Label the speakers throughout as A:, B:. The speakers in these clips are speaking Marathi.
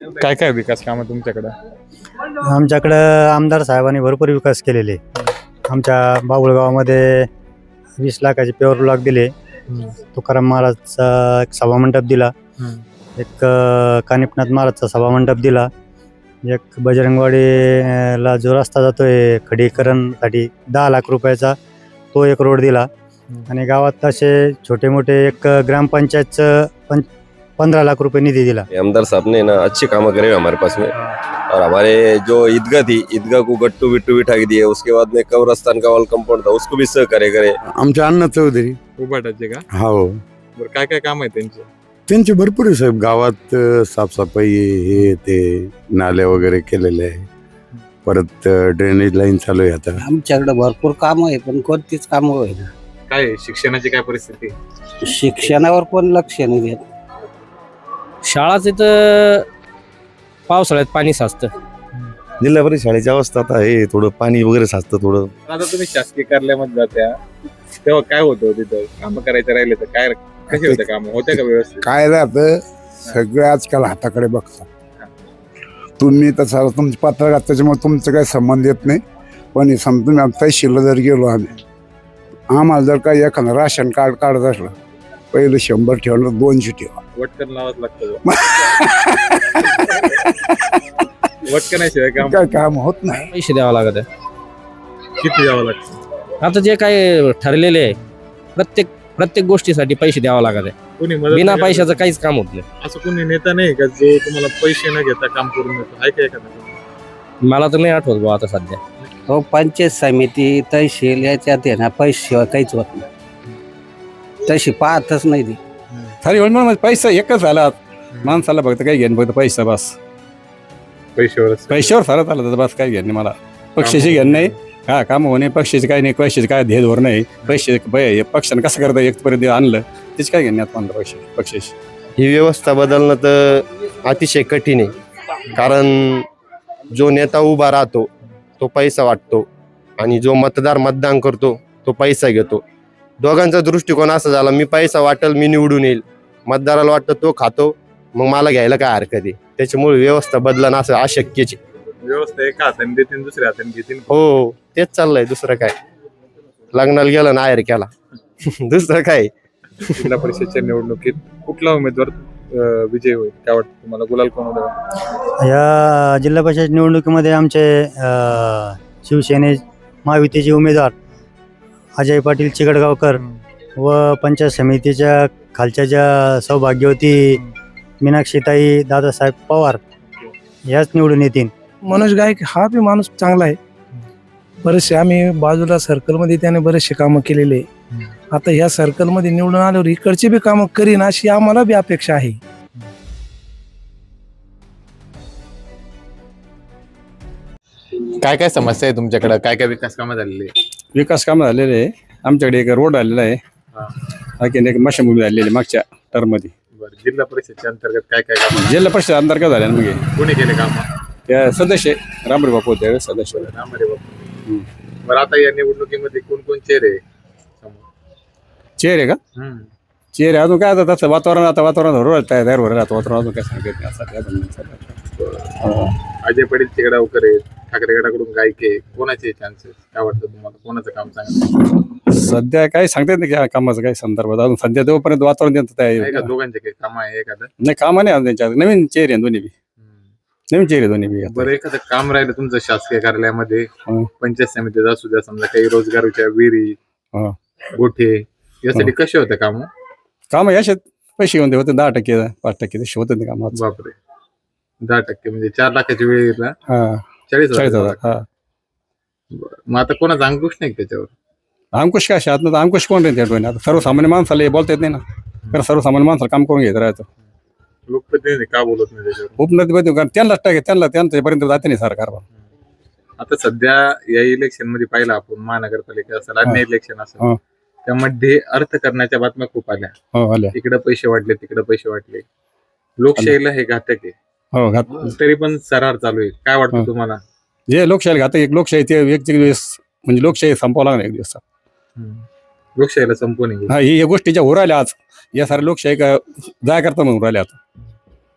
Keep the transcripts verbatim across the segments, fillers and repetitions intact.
A: काय काय विकास कामं तुमच्याकडे?
B: आमच्याकडं आमदार साहेबांनी भरपूर विकास केलेले. आमच्या बाबुळगावामध्ये वीस लाखाचे पेवर ब्लॉक दिले. तुकाराम महाराजचा एक सभामंडप दिला. एक अ, कानिपनाथ महाराजचा सभामंडप दिला. एक बजरंगवाडीला जो रस्ता जातोय खडीकरणसाठी दहा लाख रुपयाचा तो एक रोड दिला. आणि गावात असे छोटे मोठे एक ग्रामपंचायतचं पं पंद्रह लाख रुपए निधि दिला.
C: आमदार साहब ने ना अच्छे काम करे हमारे पास में, और हमारे जो ईदगाह थी ईदगाह को गट्टू बिट्टू बिठा के दिए. उसके बाद में कब्रस्तान का वाल कंपाउंड था उसको भी सहकार्य करे.
D: आमचे अण्णा चौधरी.
A: उभाटाचे का?
D: हो,
A: बरं काय काय काम आहे त्यांचे?
D: त्यांचे भरपूर आहे साहेब. गावात अ, साफसफाई हे ते नाले वगैरे केलेले आहे. परत अ, ड्रेनेज लाईन चालू आहे आता.
E: आमच्याकडे भरपूर काम आहे पण कोणतीच काम होईल.
A: काय आहे? शिक्षणाची काय परिस्थिती आहे?
E: शिक्षणावर कोण लक्ष नाही देत.
F: शाळाच इथं पावसाळ्यात पाणी साचतं.
G: जिल्हा परिषद शाळेची अवस्था आता आहे, थोडं पाणी वगैरे साचतं थोडं.
A: आता तुम्ही शासकीय कार्यालयामध्ये जात्या तेव्हा काय होतं तिथं? काम करायचं राहिले तर काय कसे होते काम? होते का व्यवस्थित?
D: काय राहतं सगळे आजकाल हाताकडे बघतात. तुम्ही तसं तुमची पत्रकार त्याच्यामुळे तुमचं काही संबंध येत नाही. पण हे समजा तुम्ही आता तहसीलला जर गेलो आम्ही, आम्हाला जर काही एखादं राशन कार्ड काढत असलं पहिलं शंभर ठेवलं दोनशे ठेवा.
A: वटकन लावाच लागतं. वटकनाशिवाय काम
D: काय काम होत नाही.
F: पैसे द्यावं लागत आहे.
A: किती द्यावं लागतं?
F: आता जे काय ठरलेले आहे प्रत्येक प्रत्येक गोष्टीसाठी पैसे द्यावं लागत आहे.
A: कोणी मदत
F: बिना
A: नाही
F: पैशाचं
A: करत?
F: काहीच काम होत नाही.
A: असं कोणी नेता नाही का जो तुम्हाला पैसे न घेता काम करून देतो? आहे का एखादा?
F: मला तर नाही आठवत भाऊ आता सध्या.
E: हो, पंचायत समिती तहसील याच्यात आहे ना पैशाशिवाय काहीच होत नाही. तशी पाहतच नाही ती.
H: सारी म्हणून पैसा एकच झाला माणसाला, फक्त काही घेणं फक्त पैसा बस.
A: पैशावर
H: पैशावर सारं चालत होतं, बस काही घेणं नाही मला. पक्षाची घेणं नाही, हा काम होणे पक्षाचे काही नाही. पैशाचे काय ध्येय धोरण नाही. पैसे पक्षानं कसं करता एकपर्यंत आणलं त्याची काय घेणे आता म्हणलं पैसे पक्षाची.
G: ही व्यवस्था बदलणं तर अतिशय कठीण आहे. कारण जो नेता उभा राहतो तो पैसा वाटतो आणि जो मतदार मतदान करतो तो पैसा घेतो. दोघांचा दृष्टिकोन असा झाला, मी पैसा वाटेल मी निवडून येईल. मतदाराला वाटतं तो खातो मग मला घ्यायला काय हरकत आहे. त्याच्यामुळे व्यवस्था बदलणं असं अशक्यच आहे.
A: व्यवस्था एका हाताने देतील दुसऱ्या हाताने घेतील.
G: हो, तेच चाललंय. दुसरं काय, लग्नाला गेलं ना आहेर केला. दुसरं काय.
A: जिल्हा परिषदच्या निवडणुकीत कुठला उमेदवार अं, विजय होईल? काय वाटतं तुम्हाला? गुलाल कोण होईल?
B: या जिल्हा परिषद निवडणुकीमध्ये आमचे अ, शिवसेने महायुतीचे उमेदवार अजय पाटील चिकडगावकर व पंचायत समितीच्या खालच्या ज्या सौभाग्यवती मीनाक्षीताई दादासाहेब पवार ह्याच निवडून येतील.
I: मनोज गायक हा बी माणूस चांगला आहे. बरेचसे आम्ही बाजूला सर्कलमध्ये त्याने बरेचसे कामं केलेले. आता ह्या सर्कलमध्ये निवडून आल्यावर इकडची बी कामं करीन अशी आम्हाला बी अपेक्षा आहे.
A: काय काय समस्या आहे तुमच्याकडे? काय काय विकास कामं झालेली?
H: विकास कामं झालेले आहे. आमच्याकडे एक रोड आलेला आहे, आणखीन एक मशाभूमी झालेली आहे मागच्या टर्ममध्ये.
A: बरं, जिल्हा परिषदच्या अंतर्गत काय काय काम?
H: जिल्हा परिषद अंतर्गत झाल्या ना. मग
A: कोणी केले काम?
H: त्या सदस्य रामरे बापू होते सदस्य.
A: रामरे बापू. बरं, आता या निवडणुकीमध्ये कोण कोण चेहरे
H: चेअर आहे का? चेअर आहे अजून काय आता तसं वातावरण आता वातावरण धरून तयार होईल. आता वातावरण अजून काय सांगत नाही असं काय.
A: अजय पाटील चिकडगावकर आहेत, ठाकरे गटाकडून गायके. कोणाचे चान्सेस? काय वाटतं तुम्हाला? कोणाचं काम चांगलं?
H: सध्या काही सांगता येत नाही त्या कामाचं काही संदर्भात. अजून सध्या तोपर्यंत वातावरण त्यांचं
A: आहे का?
H: तयार
A: दोघांचे काही काम आहे एखादं?
H: नाही. कामा नाही अजून त्यांच्या. नवीन चेअर आहे दोन्ही बी. नवीन चेहरे दोन्ही बी.
A: बरं, एखादं काम राहिलं तुमचं शासकीय कार्यालयामध्ये,
H: हं.
A: पंचायत समितीत असू द्या, समजा काही रोजगाराच्या विहिरी,
H: हं.
A: गोठे यासाठी कसे होते काम?
H: काम याच्यात पैसे घेऊन ते होते दहा टक्के पाच टक्के तसे होते ते काम.
A: बापरे, दहा टक्के म्हणजे चार लाखाची वेळ
H: हा
A: चाळीस
H: चाळीस हजार.
A: हजार.
H: हा,
A: बरं, मग आता कोणाचा अंकुश नाही का त्याच्यावर?
H: अंकुश काय आतनं अंकुश कोण राहील त्या डोळ्यात? आता सर्वसामान्य माणसाला हे बोलता येत नाही ना. कारण सर्वसामान्य माणसाला काम करून घेत राहायचं.
A: लोकप्रतिनिधी का बोलत नाही त्याच्यावर?
H: उपनदी बद्दल कारण त्यांना टाके त्यांना त्यांच्यापर्यंत जाते नाही सरकार.
A: आता सध्या या इलेक्शन मध्ये पाहिलं आपण, महानगरपालिका असेल, अन्य इलेक्शन
H: हा.
A: असेल, त्यामध्ये अर्थ करण्याच्या बातम्या खूप आल्या.
H: हो आल्या.
A: इकडे पैसे वाटले तिकडे पैसे वाटले. लोकशाहीला हे घातक आहे.
H: हो घात
A: तरी पण सरार चालू आहे. काय वाटतं तुम्हाला?
H: जे लोकशाही घातक एक लोकशाही ते एक दिवस म्हणजे लोकशाही संपावं लागणार एक दिवस.
A: लोकशाहीला संपवणे
H: हा, ही या गोष्टीच्या होऊ राहिल्या आज. या साऱ्या लोकशाही का जाय करता म्हणून राहिल्या आता.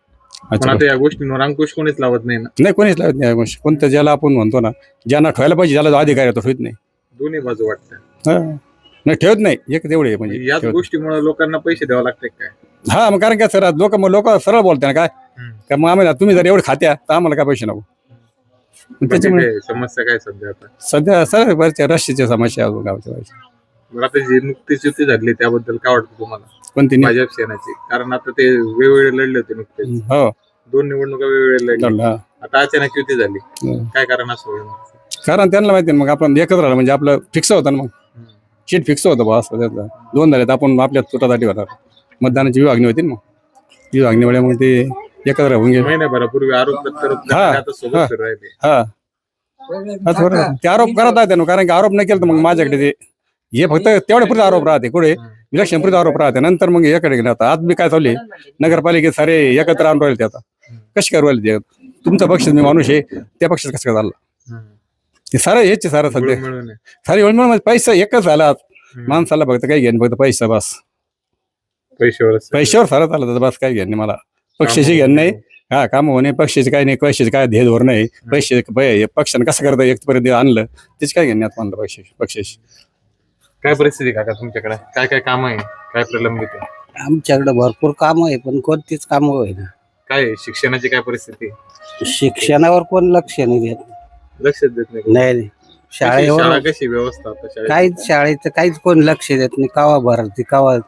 A: पण आता या गोष्टींवर अंकुश कोणीच लावत नाही ना.
H: नाही कोणीच लावत नाही या गोष्टी. कोणतं ज्याला आपण म्हणतो ना ज्यांना ठेवायला पाहिजे ज्याला जो अधिकार आहे तो ठेवत नाही.
A: दोन्ही बाजू वाटतं.
H: हा. नाही ठेवत नाही एक तेवढे म्हणजे
A: याच
H: ठेवत.
A: गोष्टीमुळे लोकांना पैसे द्यावे लागते काय?
H: हा मग कारण काय सर लोक मग लोक सरळ बोलते ना काय
A: हम्म.
H: का मग आम्हाला तुम्ही जर एवढं खात्या तर आम्हाला काय पैसे नको. मग
A: बाकी
H: त्याच्यामुळे
A: काय समस्या काय सध्या आता?
H: सध्या सर बऱ्याचशा रस्त्याच्या समस्या आहे अजून गावच्या बाहेरच्या.
A: बरं, आता जी नुकतीच युती झाली त्याबद्दल काय वाटतं तुम्हाला?
H: कोणती नाही.
A: भाजप सेनाची, कारण आता ते वेगवेगळे लढले होते नुकतेच,
H: हो
A: दोन निवडणुका वेगवेगळे लढले.
H: लढलं, हा.
A: आता अचानक युती झाली,
H: हम्म.
A: काय कारण असं होईल?
H: कारण त्यांना माहिती आहे ना, मग आपण एकत्र राहिलं म्हणजे आपलं फिक्स होतं ना. मग
A: हम्म.
H: सीट फिक्स होतं बा असं त्यातलं. दोन झाले तर आपण आपल्या तुटासाठी होणार. मतदानाची विभागणी होती ना. मग विभागणीमुळे मग ते एकत्र होऊन गेले.
A: महिन्याभरापूर्वी आरोप प्रत्यारोप
H: हा,
A: आता सोबत
H: हा.
A: फिरू राहिले.
H: हा हा, थोडं ते आरोप करत आहेत ना, कारण की आरोप नाही केलं तर मग माझ्याकडे ते हे फक्त तेवढ्या आरोप राहते. कुठे इलेक्शन पुढे आरोप राहते, नंतर मग याकडे गेले. आता आज मी काय चालले नगरपालिकेत सारे एकत्र आणून राहिले. ते आता कशी करू राहिले ते? तुमचा पक्ष मी माणूस आहे, त्या पक्षात कसं काय झालं?
A: हम्म.
H: ते सारं हेच सारं सध्या
A: मिळून मिळून आहे.
H: सारी वेळ म्हणजे पैसा एकच झाला.
A: हम्म.
H: माणसाला फक्त काही घेणं फक्त पैसा बस.
A: पैशावरच
H: पैशावर सारं चालत होतं, बस काही घेणं नाही मला. पक्षाची घेणं नाही. हा काम होणे पक्षाचे काही नाही, पैशाचे काय ध्येय धोरण नाही. पैसे पक्षाने कसं करता एकपर्यंत आणलं तेच काय घेणे म्हणलं पैसे पक्षाची.
A: काय परिस्थिती काका तुमच्याकडे? काय काय काम आहे, काय प्रलंबित आहे?
E: आमच्याकडे भरपूर काम आहे पण कोणतीच कामं होईना.
A: काय आहे? शिक्षणाची काय परिस्थिती?
E: शिक्षणावर कोण लक्ष नाही देत.
A: लक्ष देत नाही कोणी?
E: नाही नाही.
A: कशी शाळा,
E: शाळेवर
A: कशी व्यवस्था आता शाळेत?
E: काहीच शाळेचं काहीच कोण लक्ष देत नाही. कावा भरती कावा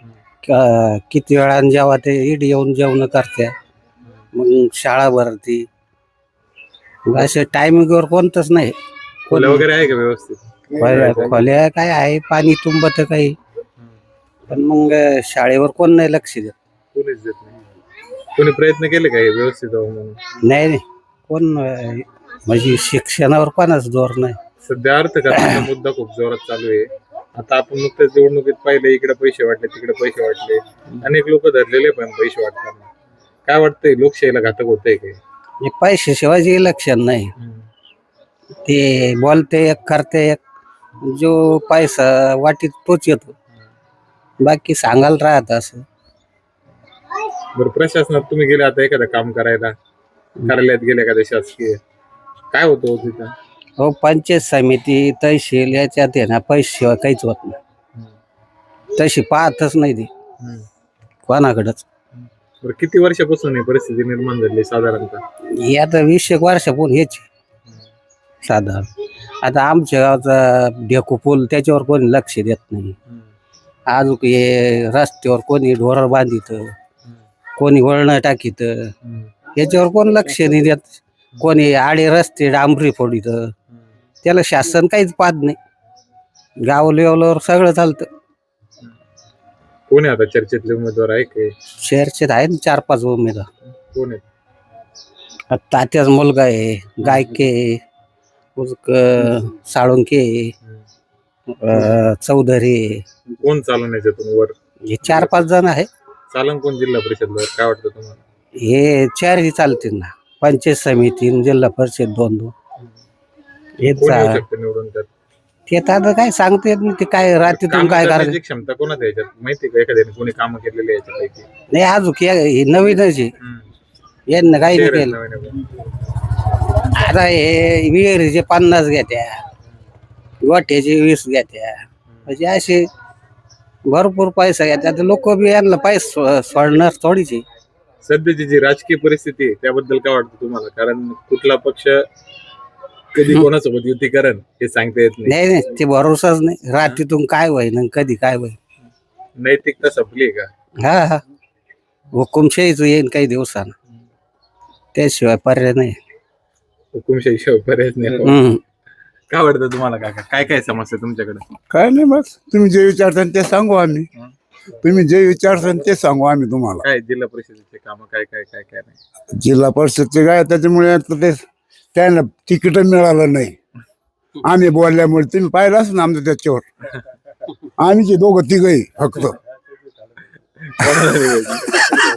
E: क- किती वेळा जेव्हा ते इड येऊन जेवण करते मग शाळा भरती. मग असे टायमिंगवर कोणतंच नाही.
A: खोल्या वगैरे आहे का व्यवस्थित?
E: खोल्या खोल्या काय आहे, पाणी तुंबत काही, पण मग शाळेवर कोण नाही लक्ष देत.
A: कोणीच देत नाही. कोणी प्रयत्न केले काय व्यवस्थित व्हावं म्हणून?
E: नाही नाही कोण अं, म्हणजे शिक्षणावर कोणाच जोर नाही.
A: सध्या अर्थकारणाचा मुद्दा खूप जोरात चालू आहे. आता आपण नुकत्याच निवडणुकीत पाहिलं, इकडे पैसे वाटले तिकडे पैसे वाटले, अनेक लोक धरलेले पण पैसे वाटताना. काय वाटतंय, लोकशाहीला घातक होतंय काय?
E: हे पैशाशिवाय इलेक्शन नाही. ते बोलते एक करते एक, जो पैसा वाटीत तोच येतो. बाकी सांगायला राहत असं.
A: बरं, प्रशासनात तुम्ही गेले आता एखादं काम करायला, कार्यालयात गेले एखाद्या शासकीय, काय होतं हो तिथं?
E: हो पंचायत समिती तहसील याच्यात आहे ना पैशाशिवाय काहीच होत नाही. तशी पाहतच नाही ती कोणाकडच.
A: बरं, किती वर्षापासून ही परिस्थिती निर्माण झाली साधारणतः?
E: हे आता वीस एक वर्षापूर्वी हेच साधारण. आता आमच्या गावचा ढेकू पूल त्याच्यावर कोणी लक्ष देत नाही. अजून हे रस्त्यावर कोणी ढोर बांधित, कोणी वळणं टाकीत, याच्यावर कोण लक्ष नाही देत. कोणी आडे रस्ते डांबरी फोडीत, त्याला शासन काहीच पाहत नाही. गाव लेवलवर सगळं चालतं.
A: कोण आहे आता चर्चेतले उमेदवार आहे काय?
E: शहरचे आहे ना चार पाच उमेदवार.
A: कोण आहे?
E: आता तात्याचा मुलगा आहे, गायके, उजक साळुंके, अं, चौधरी,
A: कोण चालून याच्यातून वर?
E: हे चार पाच जण आहे.
A: चालन कोण जिल्हा परिषदवर? काय वाटतं तुम्हाला?
E: हे चारही चालतील ना. पंचायत समिती आणि जिल्हा परिषद दोन दोन हे
A: कोण येऊ
E: चा-
A: शकतं निवडून त्यात?
E: ते तर आता काय सांगता येत नाही. ते काय रात्रीतून
A: कामं
E: काय करायचं
A: करण्याची क्षमता कोणाच आहे याच्यात? माहिती का एखाद्याने कोणी कामं केलेली आहे याच्यापैकी?
E: नाही. अजून हे नवीनच आहे.
A: हम्म.
E: यांना काही नाही
A: शहर आहे
E: केलं.
A: नवीन आहे.
E: आता हे विहिरीचे पन्नास घेत्या, गोठ्याचे वीस घेत्या, म्हणजे असे भरपूर पैसा घेत्या. लोक बी यांना पैसे सो- सोडणार थोडीचे.
A: सध्याची जी राजकीय परिस्थिती आहे त्याबद्दल काय वाटतं तुम्हाला? कारण कुठला पक्ष कधी कोणासोबत युती करण हे सांगता येत नाही.
E: नाही नाही ते भरोसाच नाही. रात्रीतून काय होईन आणि कधी काय होईन.
A: नैतिकता संपली का?
E: हा हा हुकुमशाहीच येईन काही दिवसानं, त्याशिवाय पर्याय नाही.
A: हुकुमशाही शिवाय पर्यायच नाही.
E: हम्म.
A: काय वाटतं तुम्हाला काका? काय काय समस्या तुमच्याकडे?
D: काय नाही, बस तुम्ही जे विचारता ते सांगू आम्ही. तुम्ही जे विचारता ते सांगू आम्ही तुम्हाला.
A: काय जिल्हा परिषदेचे काम काय काय काय काय नाही?
D: जिल्हा परिषदचे काय त्याच्यामुळे आता ते त्यांना तिकीट मिळालं नाही. आम्ही बोलल्यामुळे तुम्ही पाहिलं असं ना आमचं त्याच्यावर. आम्ही जे दोघं तिघही फक्त
A: कोणाला निवडायचं?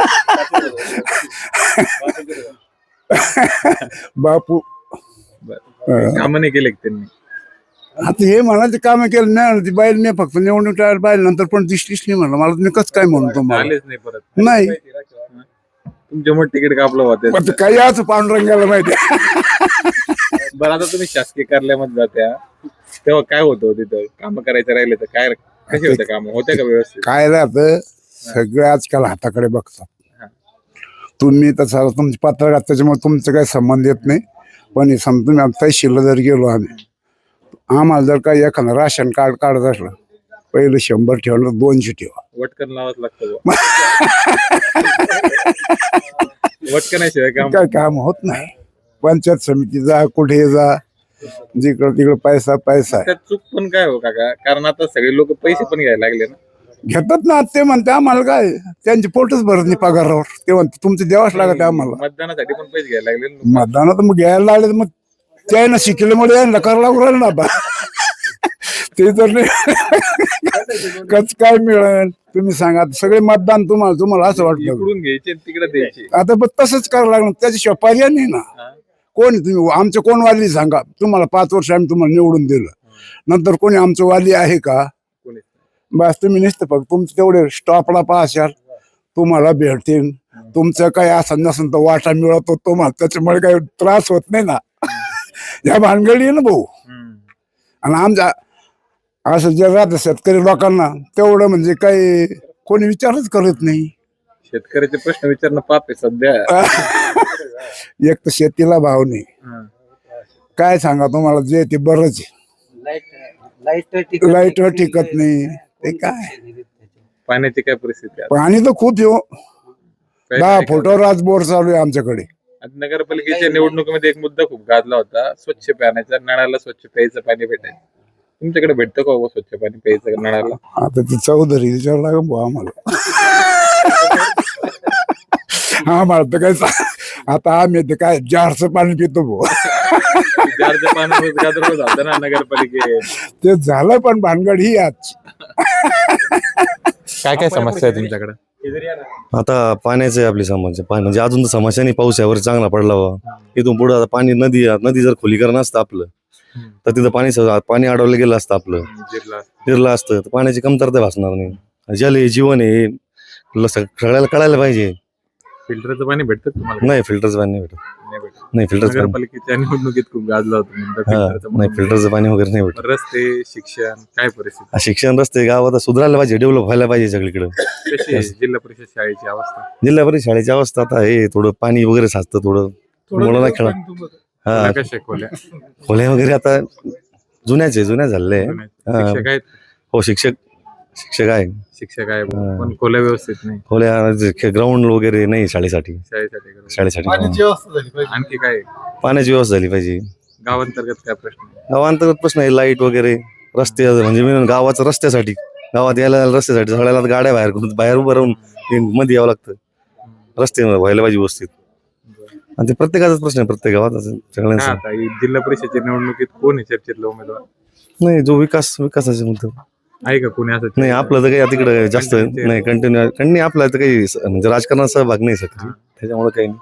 D: बापू
A: बरं. कामं नाही केले का त्यांनी?
D: आता हे म्हणा ते काम केलं नाही. ती बाईल नाही फक्त निवडणूक टाळायला बाईल नंतर पण दिसलीच नाही म्हणलं. मला तुम्ही कसं काय म्हणतो मला
A: आलेच नाही परत.
D: नाही.
A: तुमच्यामुळे तिकीट कापलं होतं.
D: पण ते काही आज पांडुरंगाला माहिती आहे.
A: बरं आता तुम्ही शासकीय कार्यालयामध्ये जात्या तेव्हा काय होतं तिथं काम करायचं राहिले तर काय कसे होते काम होते का व्यवस्थित?
D: काय राहतं सगळे आजकाल हाताकडे बघतात.
A: हा.
D: तुम्ही तसं तुमची पत्रकार त्याच्यामुळे तुमचं काही संबंध येत नाही. पण हे समजा तुम्ही आता तहसीलला जर गेलो आम्ही आम्हाला जर काही एखादं राशन कार्ड काढत असलं पहिलं शंभर ठेवलं दोनशे ठेवा.
A: वटकन लावाच लागतं बुवा. वटकनाशिवाय काम
D: काय काम होत नाही. पंचायत समिती जा कुठे जा जिकडं तिकडं पैसा पैसा आहे.
A: त्यात चूक पण काय हो काका कारण आता सगळे लोक पैसे पण घ्यायला लागले ना.
D: घेतात ना ते म्हणते आम्हाला काय त्यांचे पोटच भरत नाही पगारावर. ते म्हणते तुमचं द्यावंच लागत आम्हाला.
A: मतदानासाठी पण पैसे घ्यायला लागले ना.
D: मतदानात मग घ्यायला लागले तर मग त्यानं शिकल्यामुळे यायला करावं लागू राहिलं ना बा. ते तर नाही कच काय मिळेल तुम्ही सांगा. सगळे मतदान तुम्हाला तुम्हाला असं वाटतं
A: इकडून घ्यायचे तिकडे द्यायचे.
D: आता पण तसंच करावं लागणार त्याच्याशिवाय पर्याय नाही ना.
A: हा.
D: कोण तुम्ही आमचं कोण वाली सांगा. तुम्हाला पाच वर्ष आम्ही तुम्हाला निवडून दिलं नंतर कोणी आमचं वाली आहे का?
A: कोणीच
D: बस तुम्ही नुसतं फक्त तुमचं तेवढे स्टॉपला पाहशाल तुम्हाला भेटतील. तुमचं काही असं नसेल तर वाटा मिळतो तुम्हाला त्याच्यामुळे काही त्रास होत नाही ना. या भानगडी आहे ना भाऊ.
A: हम्म.
D: आणि आमच्या असं जे राहतं शेतकरी लोकांना तेवढं म्हणजे काही कोणी विचारच करत नाही.
A: शेतकऱ्याचे प्रश्न विचारणं पाप आहे सध्या.
D: एक तर शेतीला भाव नाही.
A: हा.
D: काय सांगा तुम्हाला जे ते बरंच आहे. लाईटवर टिकत नाही ते काय.
A: पाण्याची काय परिस्थिती आहे?
D: पाणी तर खूप येऊ
A: काय-
D: दहा
A: काय-
D: फुटावर आज बोर चालू आहे आमच्याकडे.
A: आता नगरपालिकेच्या निवडणुकीमध्ये एक मुद्दा खूप गाजला होता स्वच्छ पाण्याचा. नळाला स्वच्छ प्यायचं पाणी भेटायचं. तुमच्याकडे भेटतं का हो स्वच्छ पाणी प्यायचं नळाला?
D: आता ती चौधरी विचार लागेल भाऊ आम्हाला. आम्हाला तर काय सा- आता आम्ही ते काय जारचं पाणी पितो भाऊ.
A: जारचं पाणी गाजर झालं ना नगरपालिकेत.
D: ते झालं पण भानगड ही आज.
A: काय काय समस्या आहे तुमच्याकडे?
J: आता पाण्याची आपली समस्या पाणी म्हणजे अजून तर समस्या नाही. पाऊस यावर चांगला पडला वा इथून पुढे आता पाणी नदी नदी जर खोलीकरण असतं आपलं तर तिथं पाणी स- पाणी अडवलं गेलं असतं आपलं
A: जिल्हा
J: फिरलं असतं तर पाण्याची कमतरता भासणार नाही. जल हे जीवन आहे ल- सगळ्याला कळायला पाहिजे.
A: फिल्टरचं पाणी भेटतं तुम्हाला?
J: नाही फिल्टरचं पाणी नाही भेटत.
A: नाही भेटत.
J: नाही फिल्टरचं पाणी
A: नगरपालिकेच्या निवडणुकीत खूप गाजला होता मुद्दा
J: हा
A: फिल्टरचा.
J: नाही फिल्टरचं पाणी वगैरे नाही भेटत.
A: रस्ते शिक्षण काय परिस्थिती
J: आ, शिक्षण रस्ते गावात सुधारायला पाहिजे डेव्हलप व्हायला पाहिजे सगळीकडे.
A: कशी आहे जिल्हा परिषद शाळेची अवस्था?
J: जिल्हा परिषद शाळेची अवस्था आता हे थोडं पाणी वगैरे साचतं थोडं मुलांना खेळा हा
A: कशा शिकवल्या?
J: खोल्या वगैरे आता जुन्याच आहे जुन्या झालेल्या आहे.
A: शिक्षक आहेत?
J: हो शिक्षक शिक्षक आहे.
A: शिक्षक आहे
J: हा.
A: पण खोल्या व्यवस्थित नाही
J: खोल्या ग्राउंड वगैरे नाही शाळेसाठी
A: शाळेसाठी करा.
J: शाळेसाठी
A: आणखी काय
J: पाण्याची व्यवस्था झाली पाहिजे.
A: गावांतर्गत काय प्रश्न आहे?
J: गावांतर्गत प्रश्न आहे लाईट वगैरे रस्ते म्हणजे मेन गावाचं रस्त्यासाठी गावात यायला जायला रस्त्यासाठी सगळ्याला गाड्या बाहेर बाहेर उभं राहून ते मध्ये यावं लागतं. रस्ते व्हायला पाहिजे व्यवस्थित आणि ते प्रत्येकाचाच प्रश्न आहे प्रत्येक गावात असं
A: काय
J: सगळ्यांचा.
A: आता ही जिल्हा परिषदेच्या निवडणुकीत कोण आहे चर्चेतला उमेदवार?
J: नाही जो विकास विकासाचे मुद्दे
A: आहे का कोणी असं?
J: नाही आपलं तर काही तिकडे जास्त नाही कंटिन्यू कंटिन्यू आपलं तर काही स- म्हणजे राजकारणात सहभाग नाही सक्रिय त्याच्यामुळे काही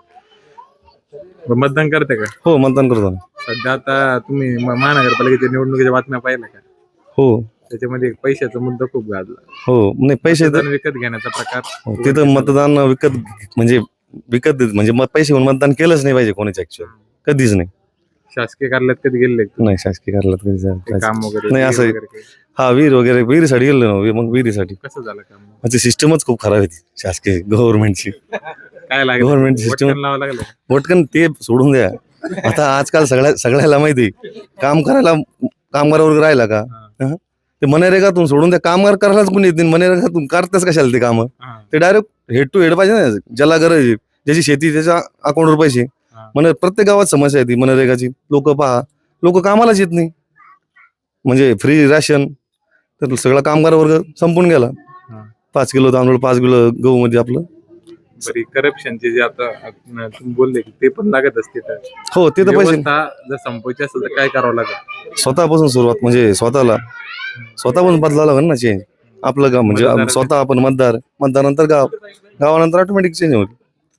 J: नाही.
A: मतदान करते का?
J: हो मतदान करतो ना.
A: सध्या आता तुम्ही म- महानगरपालिकेच्या निवडणुकीच्या बातम्या पाहिल्या का?
J: हो
A: त्याच्यामध्ये एक पैशाचा मुद्दा खूप गाजला.
J: हो नाही पैसे तर
A: मतदान विकत घेण्याचा प्रकार.
J: हो, तिथं मतदान विकत म्हणजे विकत देत म्हणजे मग पैसे घेऊन मतदान केलंच नाही पाहिजे कोणाच्या ऍक्च्युअल कधीच नाही.
A: शासकीय कार्यालयात कधी गेले का?
J: नाही शासकीय कार्यालयात कधी
A: ते
J: जायचं.
A: काम वगैरे
J: नाही, असं-
A: वगैरे काही?
J: हा विहीर वगैरे विहिरीसाठी गेलो ना वी- मग विहिरीसाठी
A: कसं झालं काम?
J: म्हणजे सिस्टमच खूप खराब आहे ती शासकीय गव्हर्नमेंटची.
A: काय लागलं?
J: Government system-
A: वटकण लावावं लागलं?
J: वटकन ते सोडून द्या. आता आजकाल सगळ्या सगळ्याला माहिती काम करायला कामगार वर्ग राहिला का हं? ते मनरेगातून सोडून द्या. कामगार करायलाच कोणी येत नाही. मनरेगातून करतेच कशाला ते कामं.
A: हा.
J: ते डायरेक्ट हेड टू हेड पाहिजे ना ज्याला गरज आहे ज्याची शेती त्याच्या अकाउंटवर पैसे.
A: हा.
J: मन प्रत्येक गावात समस्या आहे ती मनरेगाची. लोक पहा लोक कामालाच येत नाही म्हणजे फ्री राशन तर सगळा कामगार वर्ग संपून गेला.
A: हा.
J: पाच किलो तांदूळ पाच किलो गहू मध्ये आपलं
A: बरी करप्शनचे जे आता अं, तुम्ही बोलले की ते पण लागत असते तर
J: हो ते तर पैसे
A: व्यवस्था जर संपवायची असेल तर काय करावं लागेल?
J: स्वतःपासून सुरुवात म्हणजे स्वतःला स्वतःपासून बदलावं लागेल ना चेंज. आपलं गाव म्हणजे
A: मतदार-
J: स्वतः आपण मतदार मतदारानंतर गाव गावानंतर ऑटोमॅटिक चेंज होईल.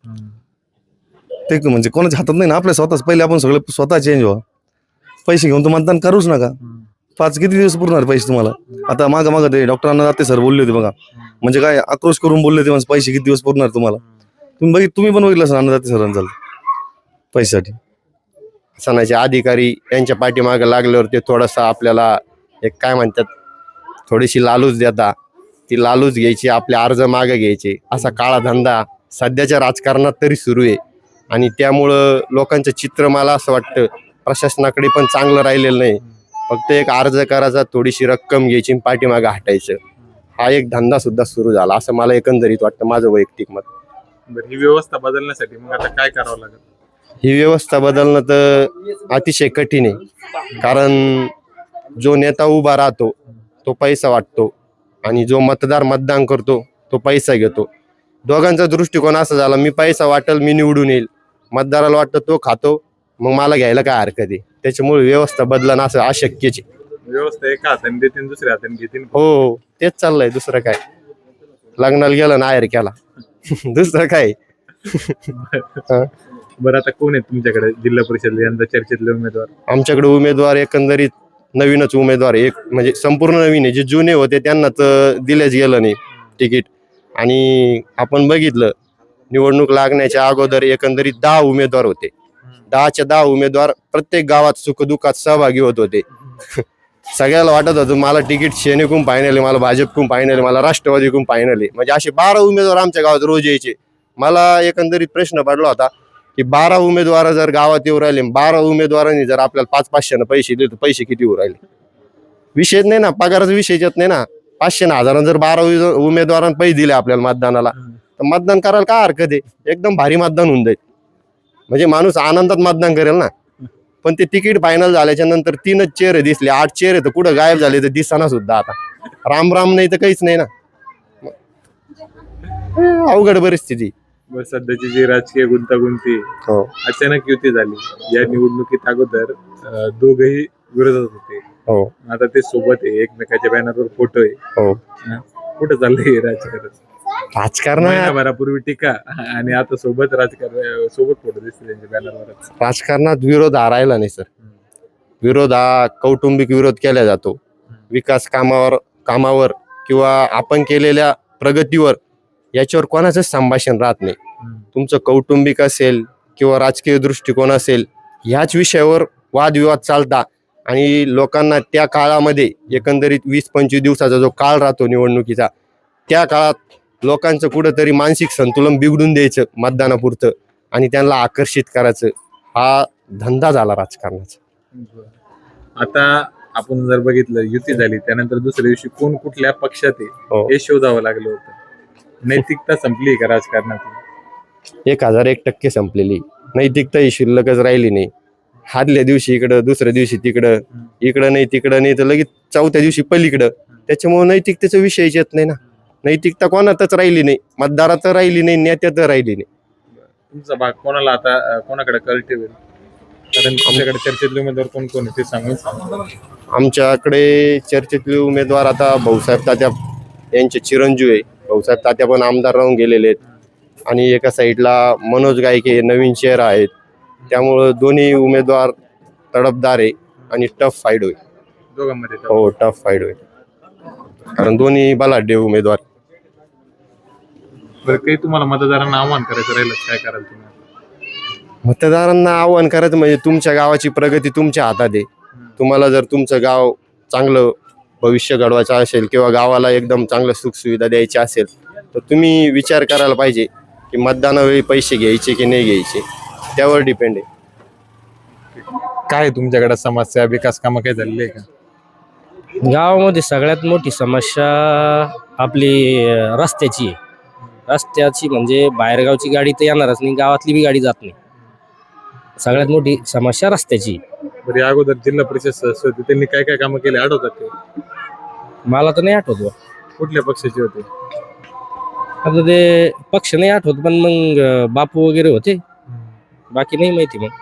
J: ते म्हणजे कोणाच्या हातात नाही ना आपल्या स्वतःच पहिले आपण सगळे स्वतः चेंज व्हा. पैसे घेऊन तर मतदान करूच नका. पाच किती दिवस पुरणार पैसे तुम्हाला? आता मागं मागं ते डॉक्टरांना जाते सर बोलले होते बघा म्हणजे काय आक्रोश करून बोलले होते म्हणजे पैसे किती दिवस पुरणार तुम्हाला? तुम्ही बघित तुम्ही पण बघितलं असं अन्नदाते सरांचं पैशासाठी.
G: सणाचे अधिकारी यांच्या पाठीमागे लागल्यावर ते थोडासा आपल्याला एक काय म्हणतात थोडीशी लालूच देता, ती लालूच घ्यायची, आपले अर्ज मागे घ्यायचे, असा काळा धंदा सध्याच्या राजकारणात तरी सुरू आहे. आणि त्यामुळं लोकांचं चित्र मला असं वाटतं प्रशासनाकडे पण चांगलं राहिलेलं नाही. फक्त एक अर्ज करायचा, थोडीशी रक्कम घ्यायची, पाठीमागे हटायचं, हा एक धंदा सुद्धा सुरू झाला असं मला एकंदरीत वाटतं, माझं वैयक्तिक मत.
A: बरं, ही व्यवस्था बदलण्यासाठी मग आता काय करावं लागेल?
G: ही व्यवस्था बदलणं तर अतिशय कठीण आहे. कारण जो नेता उभा राहतो तो पैसा वाटतो आणि जो मतदार मतदान करतो तो पैसा घेतो. दोघांचा दृष्टिकोन असा झाला, मी पैसा वाटेल, मी निवडून येईल, मतदाराला वाटतं तो खातो, मग मला घ्यायला काय हरकत आहे. त्याच्यामुळे व्यवस्था बदलणं असं अशक्यच आहे.
A: व्यवस्था एका हाताने देतील, दुसऱ्या हाताने घेतील.
G: हो, तेच चाललंय, दुसरं काय. लग्नाला गेलं ना आहेर केला, दुसरं काय.
A: बरं, आता कोण आहे तुमच्याकडे जिल्हा परिषद यंदा चर्चेतले उमेदवार?
G: आमच्याकडे उमेदवार एकंदरीत नवीनच उमेदवार आहे. एक म्हणजे संपूर्ण नवीन आहे. जे जुने होते त्यांना तर दिलेच गेलं नाही तिकीट. आणि आपण बघितलं निवडणूक लागण्याच्या अगोदर एकंदरीत दहा उमेदवार होते. दहाच्या दहा उमेदवार प्रत्येक गावात सुखदुःखात सहभागी होत होते. सगळ्याला वाटत होतं मला तिकीट सेनेकडून फायनल आहे, मला भाजपकडून फायनल आहे, मला राष्ट्रवादीकडून फायनल आहे. म्हणजे असे बारा उमेदवार आमच्या गावात रोज यायचे. मला एकंदरीत प्रश्न पडला होता की बारा उमेदवार जर गावात येऊ राहिले, बारा उमेदवारांनी जर आपल्याला पाच पाचशे पैसे दिले तर पैसे किती येऊ राहिले? विषयच नाही ना, पगाराचा विषय येत नाही ना. पाचशे ना हजारांना जर बारा उमेदवारांना पैसे दिले आपल्याला मतदानाला, तर मतदान करायला काय हरकत आहे? एकदम भारी मतदान होऊन जाईल. म्हणजे माणूस आनंदात मतदान करेल ना. पण ते तिकीट फायनल झाल्याच्या नंतर तीनच चेहरे दिसले, आठ चेहरे तर कुठं गायब झाले तर दिसना सुद्धा. आता राम राम नाही तर काहीच नाही ना. अवघड परिस्थिती.
A: बरं, सध्याची जी राजकीय गुंतागुंती,
G: हो
A: अचानक युती झाली. या निवडणुकीत अगोदर अं, दोघही विरोधात होते,
G: हो
A: आता ते सोबत आहे, एकमेकाच्या बॅनरवर फोटो आहे.
G: हो
A: कुठं चाललंय हे राजकारण?
G: राजकारणात
A: महिनाभरापूर्वी टीका आणि आता सोबत राजकारण, सोबत फोटो दिसते त्यांच्या बॅनरवरच.
G: राजकारणात विरोध हा राहिला नाही सर. विरोध हा कौटुंबिक विरोध केला जातो. विकास कामावर कामावर किंवा आपण केलेल्या प्रगतीवर याच्यावर कोणाचंच संभाषण राहत नाही. तुमचं कौटुंबिक असेल किंवा राजकीय दृष्टिकोन असेल, ह्याच विषयावर वादविवाद चालता. आणि लोकांना त्या काळामध्ये एकंदरीत वीस पंचवीस दिवसाचा जो काळ राहतो निवडणुकीचा, त्या काळात लोकांचं कुठंतरी मानसिक संतुलन बिघडून द्यायचं मतदानापुरतं आणि त्यांना आकर्षित करायचं, हा धंदा झाला राजकारणाचा.
A: आता आपण जर बघितलं, युती झाली त्यानंतर दुसऱ्या दिवशी कोण कुठल्या पक्षात आहे
G: हो.
A: हे शोधावं लागलं होतं. नैतिकता संपली का राजकारणात?
G: एक हजार एक टक्के संपलेली. नैतिकता ही शिल्लकच राहिली नाही. हादल्या दिवशी इकडं, दुसऱ्या दिवशी तिकडं, इकडं नाही तिकडं नाही तर लगेच चौथ्या दिवशी पलीकडं. त्याच्यामुळे नैतिकतेचा विषयच येत नाही ना. नैतिकता कोणातच राहिली नाही, मतदारात राहिली नाही, नेत्यात राहिली नाही.
A: तुमचा भाग कोणाला आता अं, कोणाकडे कल ठेवेल? कारण तुमच्याकडे चर्चेतले उमेदवार कोण कोण आहे ते सांगून सांगा.
G: आमच्याकडे चर्चेतले उमेदवार आता भाऊसाहेब तात्या यांचे चिरंजीव आहे. भाऊसाहेब तात्या पण आमदार राहून गेलेले आहेत. आणि एका साईडला मनोज गायके नवीन चेहरा आहेत. त्यामुळं दोन्ही उमेदवार तडफदार आहे आणि टफ फाईट होईल.
A: दोघांमध्ये
G: हो, टफ फाईट होईल, कारण दोन्ही बलाढ्य उमेदवार.
A: बरं, काही तुम्हाला मतदारांना आव्हान करायचं राहिलं, काय कराल तुम्ही?
G: मतदारांना आव्हान करायचं म्हणजे तुमच्या गावाची प्रगती तुमच्या हातात आहे. तुम्हाला जर तुमचं गाव चांगलं भविष्य घडवायचं असेल किंवा गावाला एकदम चांगलं सुखसुविधा द्यायची असेल तर तुम्ही विचार करायला पाहिजे की मतदानावेळी पैसे घ्यायचे की नाही घ्यायचे, त्यावर डिपेंड आहे.
A: काय तुमच्याकडे समस्या, विकास कामं काही झालेली आहे का?
F: गावामध्ये सगळ्यात मोठी समस्या आपली अं, रस्त्याची आहे. रस्त्याची म्हणजे बाहेरगावची गाडी तर येणारच नाही, गावातली बी गाडी जात नाही. सगळ्यात मोठी समस्या रस्त्याची.
A: बरं, या अगोदर जिल्हा परिषद सदस्य होते, त्यांनी काय काय कामं केले आठवतात ते?
F: मला तर नाही आठवत बा.
A: कुठल्या पक्षाचे होते?
F: आता ते पक्ष नाही आठवत, पण मग अं, बापू वगैरे होते, बाकी नाही माहिती. मग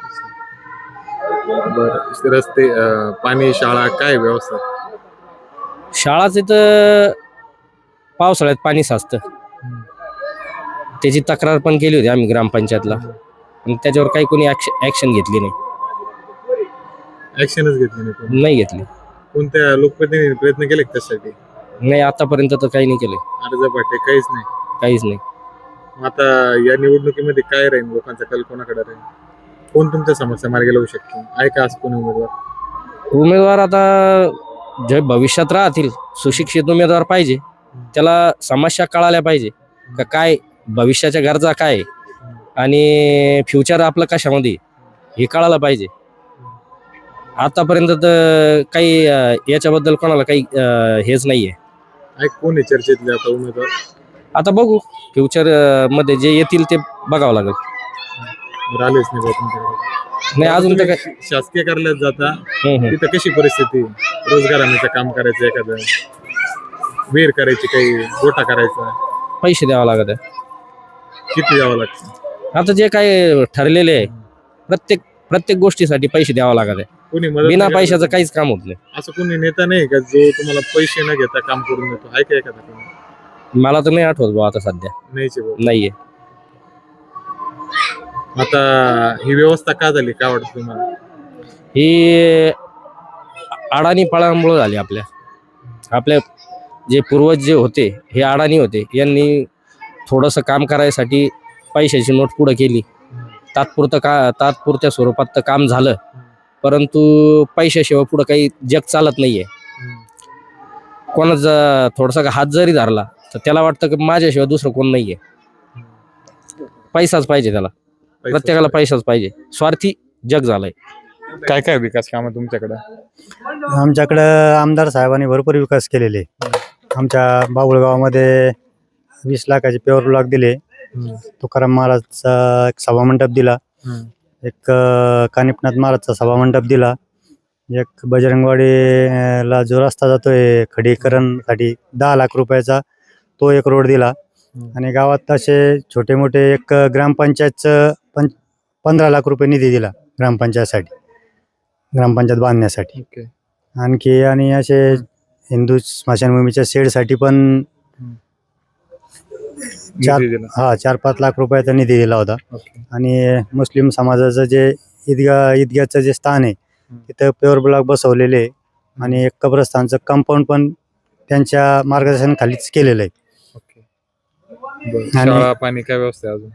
A: बरं, रस्ते, अं, पाणी, शाळा, काय व्यवस्था?
F: शाळाचे तर पावसाळ्यात पाणी साचतं, त्याची तक्रार पण केली होती आम्ही ग्रामपंचायतला, पण त्याच्यावर काही कोणी ऍक्शन घेतली नाही.
A: ऍक्शनच घेतली नाही कोणी?
F: नाही घेतली.
A: कोणत्या लोकप्रतिनिधी प्रयत्न केले का त्यासाठी?
F: नाही, आतापर्यंत तर काही नाही केलं,
A: अर्ज पाठे काहीच नाही.
F: काहीच नाही.
A: मग आता या निवडणुकीमध्ये काय राहील, लोकांचा कल कोणाकडे राहील, कोण तुमच्या समस्या मार्गी लावू शकतो, आहे का असं कोणी उमेदवार?
F: उमेदवार आता जे भविष्यात राहतील सुशिक्षित उमेदवार पाहिजे, त्याला समस्या कळाल्या पाहिजे का काय भविष्याच्या गरजा काय आहे आणि फ्युचर आपलं कशामध्ये हे कळायला पाहिजे. आतापर्यंत तर काही अं, याच्याबद्दल कोणाला काही अं, हेच नाहीये.
A: आहे कोण आहे चर्चेतले आता उमेदवार?
F: आता बघू फ्युचर मध्ये जे येतील ते बघावं लागेल.
A: बरं, आलेच नाही बा तुमच्याकडे.
F: नाही अजून तर काय.
A: तुम्ही शासकीय कार्यालयात जाता,
F: हम्म, हम्म.
A: तिथं कशी परिस्थिती? रोजगार हमीचं काम करायचं, एखादं विहीर करायची, काही गोठा करायचा,
F: पैसे द्यावं लागत आहे.
A: किती द्यावं लागतं?
F: आता जे काय ठरलेले आहे प्रत्येक प्रत्येक गोष्टीसाठी पैसे द्यावं लागत आहे.
A: कोणी मदत
F: बिना
A: नाही करत?
F: पैशाचं काहीच काम होत नाही.
A: असं कोणी नेता नाही का जो तुम्हाला पैसे न घेता काम करून देतो? आहे का एखादा कोणी?
F: मला तर नाही आठवत भाऊ आता सध्या.
A: नाहीचे भाऊ.
F: नाहीये.
A: आता ही व्यवस्था का झाली, काय वाटतं तुम्हाला?
F: ही अडाणी पळामुळे झाली. आपल्या आपल्या जे पूर्वज जे होते हे अडाणी होते, यांनी थोडंसं काम करायसाठी पैशाची नोट पुढे केली. तात्पुरतं का तात्पुरत्या स्वरूपात तर काम झालं, परंतु पैशाशिवाय पुढं काही जग चालत नाहीये. कोणाचा थोडासा हात जरी धरला तर त्याला वाटतं की माझ्याशिवाय दुसरं कोण नाहीये. पैसाच पाहिजे त्याला, प्रत्येकाला पैसाच पाहिजे. स्वार्थी जग झालंय.
A: काय काय विकास कामं तुमच्याकडे?
B: आमच्याकडं आमदार साहेबांनी भरपूर विकास केलेले. आमच्या बाबुळ गावामध्ये वीस लाखाचे पेवर ब्लॉक दिले. तुकाराम महाराजचा एक सभामंडप दिला. एक अं, कानिपनाथ महाराजचा सभामंडप दिला. एक बजरंगवाडीला जो रस्ता जातोय खडीकरणसाठी दहा लाख रुपयाचा, तो एक रोड दिला. आणि गावात असे छोटे मोठे एक ग्रामपंचायतचं पं पंधरा लाख रुपये निधी दिला ग्रामपंचायतसाठी, ग्रामपंचायत बांधण्यासाठी. आणखी आणि असे हिंदू स्मशानभूमीच्या शेडसाठी पण चार
A: निधी दिला.
B: हा चार पाच लाख रुपयाचा निधी दिला होता.
A: ओके.
B: आणि मुस्लिम समाजाचं जे ईदगा ईदगाचं जे स्थान आहे तिथं पेवर ब्लॉक बसवलेले आहे. आणि एक कब्रस्तानचं कंपाऊंड पण त्यांच्या मार्गदर्शनाखालीच केलेलं आहे.
A: ओके. बरं.
B: आणि-
A: शाळा, पाणी काय व्यवस्था आहे अजून?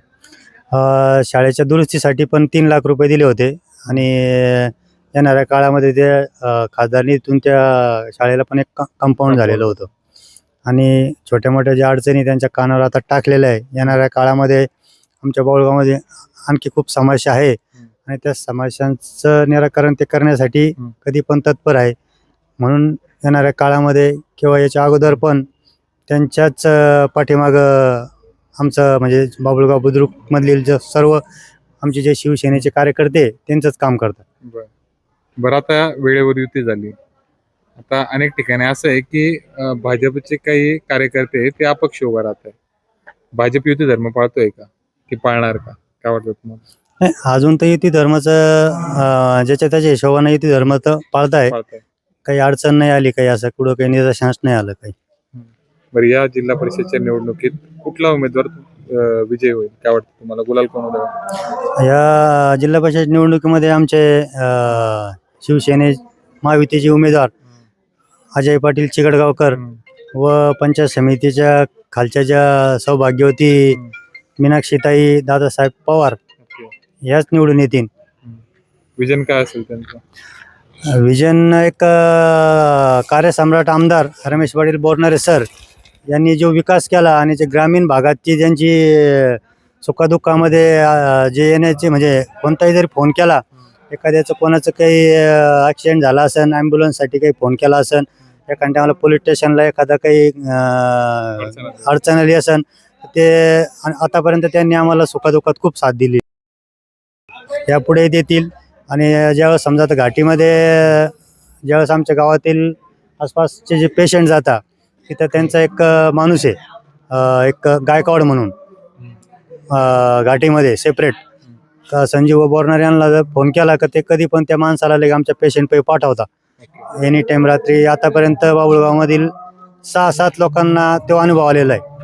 B: अ, शाळेच्या दुरुस्तीसाठी पण तीन लाख रुपये दिले होते. आणि येणाऱ्या काळामध्ये ते अ, खासदार निधीतून त्या शाळेला पण एक कंपाऊंड झालेलं होतं. आणि छोट्या मोठ्या ज्या अडचणी त्यांच्या कानावर आता टाकलेल्या आहे. येणाऱ्या काळामध्ये आमच्या बाळगावमध्ये आणखी खूप समस्या आहे आणि त्या समस्यांचं निराकरण ते करण्यासाठी कधी पण तत्पर आहे. म्हणून येणाऱ्या काळामध्ये किंवा याच्या अगोदर पण त्यांच्याच अ, पाठीमागं आमचं म्हणजे बाबुळगाव बुद्रुकमधील जे सर्व आमचे जे शिवसेनेचे कार्यकर्ते त्यांचंच काम करतात.
A: बरं. बरं, आता वेळेवर युती झाली. आता अनेक ठिकाणी असं आहे की अं, भाजपचे काही कार्यकर्ते आहेत, ते अपक्ष उभा राहत आहे. भाजप युती धर्म पाळतोय का, की पाळणार का, काय वाटतं तुम्हाला?
B: नाही, अजून तर युती धर्माचं अ, ज्याच्या त्याच्या हिशोबानं युती धर्म तर पाळताय.
A: पाळताय.
B: काही अडचण नाही आली, काही असं कुठं काही निदर्शनास नाही आलं काही.
A: बरं, या जिल्हा परिषदच्या निवडणुकीत कुठला उमेदवार अं, विजयी होईल, काय वाटतं तुम्हाला? गुलाल कोण होईल?
B: या जिल्हा परिषद निवडणुकीमध्ये आमचे अ, शिवसेने महायुतीचे उमेदवार अजय पाटील चिकडगावकर व पंचायत समितीच्या खालच्या ज्या सौभाग्यवती मीनाक्षीताई दादासाहेब पवार
A: ओके.
B: ह्याच निवडून येतील.
A: विजन काय असेल त्यांचं?
B: विजन एक अ, कार्यसम्राट आमदार रमेश पाटील बोरणारे सर यांनी जो विकास केला आणि जे ग्रामीण भागातची ज्यांची अ, सुखदुःखामध्ये अ, जे येण्याचे म्हणजे कोणताही जरी फोन केला, एखाद्याचं कोणाचं काही ॲक्सिडेंट झाला असेल, ॲम्ब्युलन्ससाठी काही फोन केला असेल, एखाद्या टायमाला पोलीस स्टेशनला एखादा काही अ, अडचण आली असेल, ते आ- आतापर्यंत त्यांनी आम्हाला सुखदुःखात खूप साथ दिली. यापुढे देतील. आणि ज्यावेळेस समजा आता घाटीमध्ये ज्यावेळेस आमच्या गावातील आसपासचे जे पेशंट जातात तिथं त्यांचा एक अ, माणूस आहे, अ, एक गायकवाड म्हणून अ, घाटीमध्ये सेपरेट का संजीव बोरणार यांना जर फोन केला का ते कधी पण त्या माणसाला लगे आमच्या पेशंट पे पाठवता एनी टाइम. रात्री आतापर्यंत बाबुळगावमधील सहा सात लोकांना तो अनुभव आलेला आहे.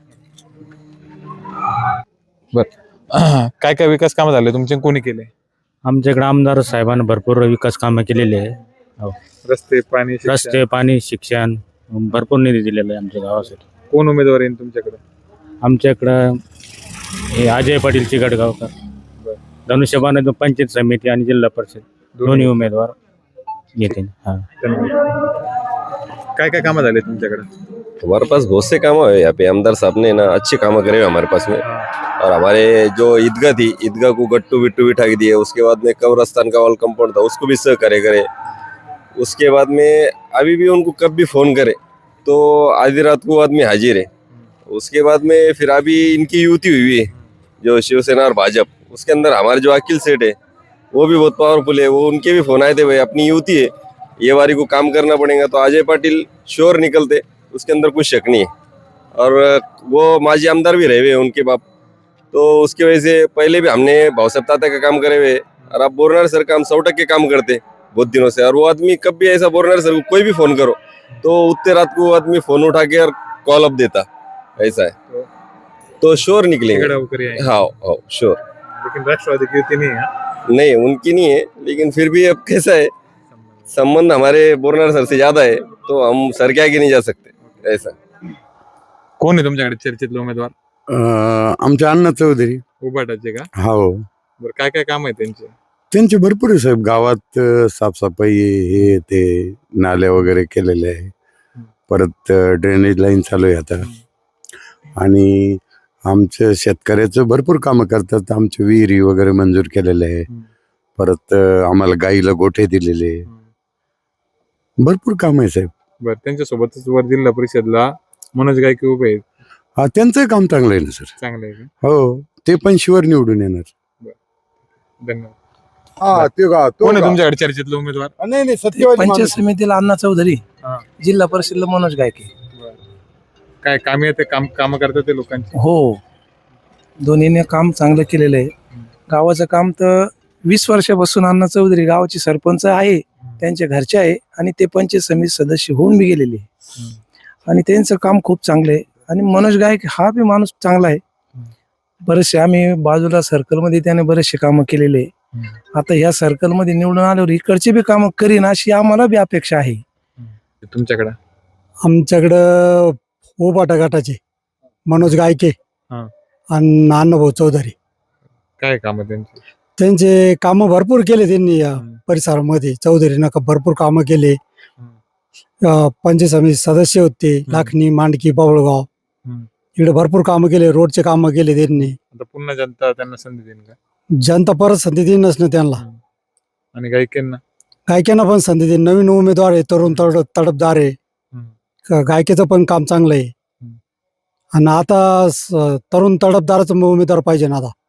A: बरं, काय काय विकास कामं झाले तुमचे, कोणी केले?
K: आमच्याकडे आमदार साहेबांनी भरपूर विकास कामं केलेले आहे.
A: रस्ते, पाणी, शिक्षण?
K: रस्ते, पाणी, शिक्षण भरपूर निधी दिलेला आहे आमच्या गावासाठी.
A: कोण उमेदवार येईल तुमच्याकडे?
K: आमच्याकडं हे अजय पाटील चिकटगावकर. धनुष्यबाण पंचायत समिती आणि जिल्हा परिषद दोन्ही उमेदवार येतील. हा.
A: काय काय कामं झाले तुमच्याकडे?
C: हमारे पास बहुत से काम है यहाँ पे। आमदार साहब ने ना अच्छे काम करे हुए हमारे पास में। और हमारे जो ईदगाह थी, ईदगाह को गट्टू बिट्टू बिठा के दिए। उसके बाद में कब्रस्तान का वॉल कंपाउंड था, उसको भी सह करे करे। उसके बाद में अभी भी उनको कब भी फोन करे तो आधी रात को आदमी हाजिर है। उसके बाद में फिर अभी इनकी युति हुई है जो शिवसेना और भाजपा, उसके अंदर हमारे जो अखिल सेठ है वो भी बहुत पावरफुल है। वो उनके भी फोन आए थे, भाई अपनी युति है, ये बारी को काम करना पड़ेगा। तो अजय पाटिल श्योर निकलते, उसके अंदर कुछ शक नहीं है। और वो माजी आमदार भी रहे हुए उनके बाप, तो उसकी वजह से पहले भी हमने भावसाहब ताता का काम करे हुए। और अब बोरनार सर का हम सौ टक्के काम करते बहुत दिनों से। और वो आदमी कब भी ऐसा बोरनार सर को कोई भी फोन करो तो उतने रात को वो आदमी फोन उठा के और कॉल अप देता, ऐसा है। तो श्योर निकलेंगे। हाँ हाँ श्योर।
A: लेकिन राष्ट्रवादी की युती नहीं है।
C: नहीं उनकी नहीं है, लेकिन फिर भी अब कैसा है, संबंध हमारे बोरनार सर से ज्यादा है, तो हम सर के आगे नहीं जा सकते, ऐसा।
A: कोण आहे तुमच्याकडे चर्चेतले उमेदवार?
D: आमचे अण्णा चौधरी.
A: उभाटाचे का?
D: हो,
A: बरं काय काय काम आहे त्यांचे?
D: त्यांचे भरपूर आहे साहेब. गावात अ, साफसफाई हे ते नाल्या वगैरे केलेले आहे. परत अ, ड्रेनेज लाईन चालू आहे आता. आणि आमच्या शेतकऱ्याचं भरपूर कामं करतात. आमचे विहिरी वगैरे मंजूर केलेले आहे. परत अ, आम्हाला गाईला गोठे दिलेले आहे. भरपूर काम आहे साहेब.
A: बरं, त्यांच्यासोबतच वर जिल्हा परिषदला मनोज गायके उभे आहेत.
D: हा, त्यांचंही काम चांगलं आहे ना सर.
A: चांगलं आहे का?
D: हो, ते पण शिवर निवडून येणार.
A: धन्यवाद.
D: हा, ते का तो
A: कोण आहे
D: का?
A: तुमच्याकडे चर्चेतले उमेदवार?
D: नाही नाही सत्यवादी
I: पंचायत
D: माणूस.
I: समितीला अण्णा चौधरी,
A: हा.
I: जिल्हा परिषदला मनोज गायके.
A: काय कामे ते काम काम करतात ते लोकांची?
I: हो, दोन्हीने काम चांगलं केलेलं आहे. गावाचं काम तर वीस वर्षापासून अण्णा चौधरी गावाचे सरपंच आहे, त्यांच्या घरचे आहे आणि ते पंचायत समिती सदस्य होऊन बी गेलेले आहे. आणि त्यांचं काम खूप चांगलं आहे. आणि मनोज गायक हा बी माणूस चांगला आहे. बरेचसे आम्ही बाजूला सर्कलमध्ये त्याने बरेचसे कामं केलेले आहे. आता ह्या सर्कलमध्ये निवडून आल्यावर इकडचे बी कामं करीन अशी आम्हाला बी अपेक्षा आहे.
A: तुमच्याकडे
B: आमच्याकडं उबाटा गटाचे मनोज गायके
A: हा.
B: आणि अण्णाभाऊ चौधरी.
A: काय काम आहे त्यांची?
B: त्यांचे कामं भरपूर केले त्यांनी या परिसरामध्ये. चौधरीनं का भरपूर कामं केले. अं, पंचायत समिती सदस्य होते. लाखणी, मांडकी, बावळगाव इकडे भरपूर कामं केले. रोडचे कामं केले त्यांनी.
A: आता पुन्हा जनता त्यांना संधी देईन का?
B: जनता परत संधी देईनच ना त्यांना.
A: आणि गायकेंना?
B: गायकांना पण संधी देईन. नवीन उमेदवार आहे, तरुण तड तडफदार आहे. ग- गायकेचं पण काम चांगलं आहे. आणि आता स- तरुण तडफदाराचं उमेदवार पाहिजे ना आता.